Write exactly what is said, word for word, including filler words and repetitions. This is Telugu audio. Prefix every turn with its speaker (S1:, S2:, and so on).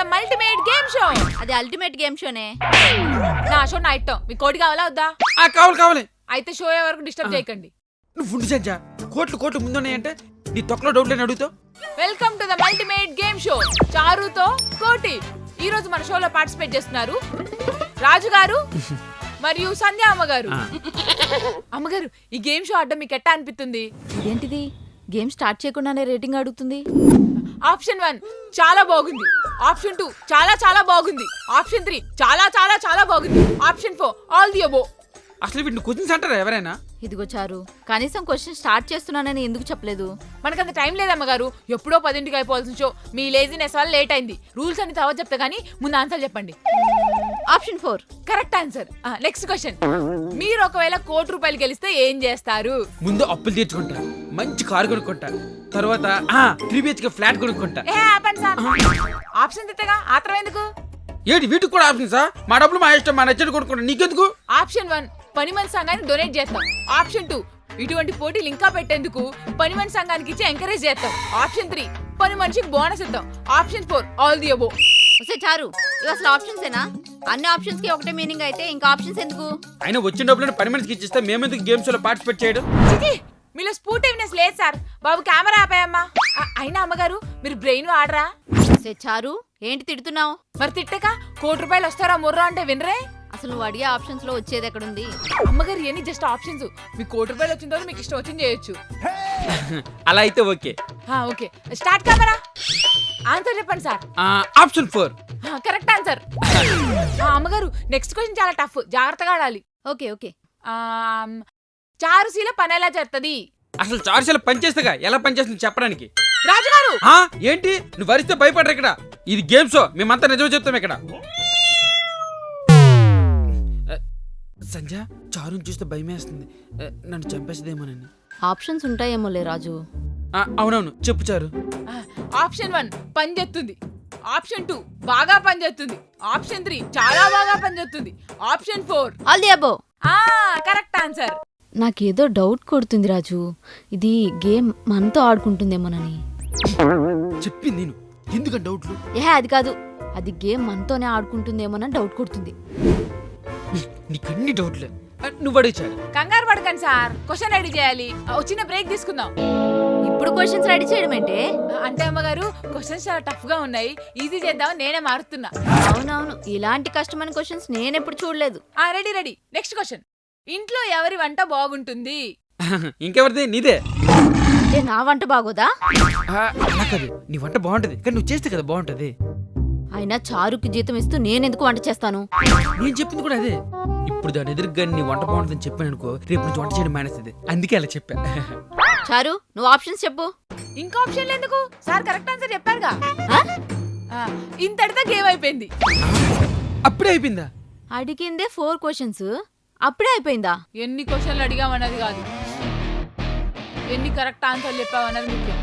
S1: The ultimate game show.
S2: అది అల్టిమేట్ గేమ్ షోనే.
S1: నా షో నా ఇట్టం. మీ కోడి కావాలా వద్దా?
S3: ఆ కావాలి కావాలి.
S1: అయితే షో వరకు డిస్టర్బ్ చేయకండి.
S3: నువ్వు ఉండి సంజ కోట్లు కోట్లు ముందున్నాయంటే నీ తొక్కలో డౌట్ లేని అడుగుతావు.
S1: Welcome to the ultimate game show చారుతో కోటి. ఈ రోజు మన షోలో పార్టిసిపేట్ చేస్తున్నారు రాజు గారు మరియు సంధ్య అమ్మగారు. అమ్మగారు, ఈ గేమ్ షో ఆడడం మీకు ఎట్టా అనిపిస్తుంది?
S2: ఇదేంటిది, గేమ్ స్టార్ట్ చేయకుండానే రేటింగ్ అడుగుతుంది?
S1: ఆప్షన్ వన్ చాలా బాగుంది, ఆప్షన్ టూ చాలా చాలా బాగుంది, ఆప్షన్ త్రీ చాలా చాలా చాలా బాగుంది, option four all the above.
S3: అసలు వీటిని క్వశ్చన్స్ అంటారా ఎవరైనా?
S2: ఇదిగో చారు, కనీసం క్వశ్చన్ స్టార్ట్ చేస్తున్నానని ఎందుకు చెప్పలేదు?
S1: మనకంత టైం లేదమ్మగారు. ఎప్పుడో పదింటికి అయిపోవాల్సిన షో. మీ లేజినెస్ వల్ల లేట్ అయింది. రూల్స్ అన్ని తర్వాత చెప్తా కానీ ముందు ఆన్సర్ చెప్పండి.
S2: Option four
S1: correct answer. Next question. మీరు ఒకవేళ కోటి రూపాయలు గెలిస్తే ఏం చేస్తారు?
S3: ముందు అప్పులు తీర్చుకుంటా, మంచి కారు కొనుక్కుంటా, తర్వాత త్రీ బిహెచ్కే ఫ్లాట్ కొనుక్కుంటా.
S1: ఏ ఆపండి సార్, ఆప్షన్ తిట్టగా ఆత్రం ఎందుకు?
S3: ఏంటి వీటికి కూడా ఆప్షన్ సార్? మా డబ్బులు మా ఇష్టం, మా నచ్చడు కొనుక్కుంటా, నీకెందుకు?
S1: ఆప్షన్ వన్ పని మంచి సంఘానికి డొనేట్ చేస్తాం. ఆప్షన్ టూ ఇటువంటి పోటీలు ఇంకా పెట్టేందుకు పని మంచి సంఘానికి ఇచ్చి ఎంకరేజ్ చేస్తాం. ఆప్షన్ త్రీ పని మనిషికి బోనస్ ఇద్దాం. Option four all the above.
S2: వస్తే చారు, ఇవి అసలు ఆప్షన్స్ ఏనా? అన్ని ఆప్షన్స్ కి ఒకటే మీనింగ్ అయితే ఇంకా ఆప్షన్స్ ఎందుకు?
S3: అయినా వచ్చిన డబ్బులను పని మనిషికి ఇచ్చిస్తే మేమెందుకు గేమ్స్ లో పార్టిసిపేట్ చేయడం?
S1: చిచి, మీలో స్పోర్టివ్నెస్ లేదు సార్. బాబు కెమెరా ఆపాయమ్మా. అయినా అమ్మగారు మీరు బ్రెయిన్ వాడరా?
S2: వస్తే చారు, ఏంటి తిడుతున్నావు?
S1: మరి తిట్టక కోటి రూపాయలు వస్తారా ముర్రా అంటే వినరే?
S2: అసలు నువ్వు అడిగే ఆప్షన్స్ లో వచ్చేది ఎక్కడుంది?
S1: అమ్మగారు ఇవన్నీ జస్ట్ ఆప్షన్స్. మీ కోటి రూపాయలు వచ్చిన తర్వాత మీకు ఇష్టం వచ్చింది చేయొచ్చు.
S3: అలా అయితే okay.
S1: Okay start camera. Answer చెప్పండి sir.
S3: Option four
S1: correct answer. అమ్మగారు నెక్స్ట్ క్వశ్చన్ చాలా టఫ్, జాగ్రత్తగా ఆడాలి.
S2: Okay okay.
S1: చారుశీల పని ఎలా చేస్తుంది?
S3: అసలు చారుశీల పనిచేస్తేగా ఎలా పనిచేస్తుంది చెప్పడానికి.
S1: రాజుగారు
S3: ఏంటి నువ్వు వరిస్తే భయపడరు ఇక్కడ. ఇది గేమ్ షో, మేమంతా నిజం చెప్తాం ఇక్కడ. సంజ, చారుని చూస్తే భయమేస్తుంది, నన్ను చంపేసేదేమోనని.
S2: ఆప్షన్స్ ఉంటాయేమోలే రాజు.
S3: అవునవును చెప్పు చారు.
S1: ఆప్షన్ వన్ పని చేస్తుంది, ఆప్షన్ టూ బాగా పని చేస్తుంది, ఆప్షన్ త్రీ చాలా బాగా పని చేస్తుంది, option four
S2: all the above.
S1: Correct answer.
S2: నాకేదో డౌట్ కొడుతుంది రాజు, ఇది గేమ్ మనతో ఆడుకుంటుందేమోనని.
S3: చెప్పింది నేను, ఎందుకని డౌట్లు?
S2: ఏ అది కాదు, అది గేమ్ మనతోనే ఆడుకుంటుందేమోనని డౌట్ కొడుతుంది.
S3: నీకన్ని డౌట్లే, నువ్వు అడిగారు.
S1: కంగారు పడకండి సార్, క్వశ్చన్ రెడీ చేయాలి. చిన్న బ్రేక్ తీసుకుందాం.
S2: ఇప్పుడు క్వశ్చన్స్ రెడీ చేయడం ఏంటి?
S1: అంటే అమ్మగారు క్వశ్చన్స్ చాలా టఫ్ గా ఉన్నాయి, ఈజీ చేద్దాం నేనే మారుతున్నా.
S2: అవునవును, ఇలాంటి కష్టమైన క్వశ్చన్స్ నేనెప్పుడు చూడలేదు.
S1: Ready ready. Next question. ఇంట్లో ఎవరి వంట బాగుంటుంది?
S3: ఇంకెవరిది? నీదే.
S2: ఏ నా వంట బాగోదా?
S3: అలా కాదు, నీ వంట బాగుంటది కానీ నువ్వు చేస్తే కదా బాగుంటది.
S2: అయినా చారుకి జీతం ఇస్తూ నేనెందుకు వంట చేస్తాను?
S3: నేను చెప్పింది కూడా అదే. ఇప్పుడు దాని ఎదురుగా నీ వంట బాగుంటుందని చెప్పాను అనుకో, రేపు నుంచి వంట చేయడం మానేస్తుంది, అందుకే అలా చెప్పా.
S2: చారు, నువ్వు ఆప్షన్స్ చెప్పు.
S1: ఇంకా ఆప్షన్లు ఎందుకు సార్? కరెక్ట్ ఆన్సర్ చెప్పారుగా. ఇంతటితో గేమ్ అయిపోయింది.
S3: అప్పుడే అయిపోయిందా?
S2: అడిగిందే ఫోర్ క్వశ్చన్స్, అప్పుడే అయిపోయిందా?
S1: ఎన్ని క్వశ్చన్లు అడిగామన్నది కాదు, ఎన్ని కరెక్ట్ ఆన్సర్లు చెప్పామన్నది ముఖ్యం.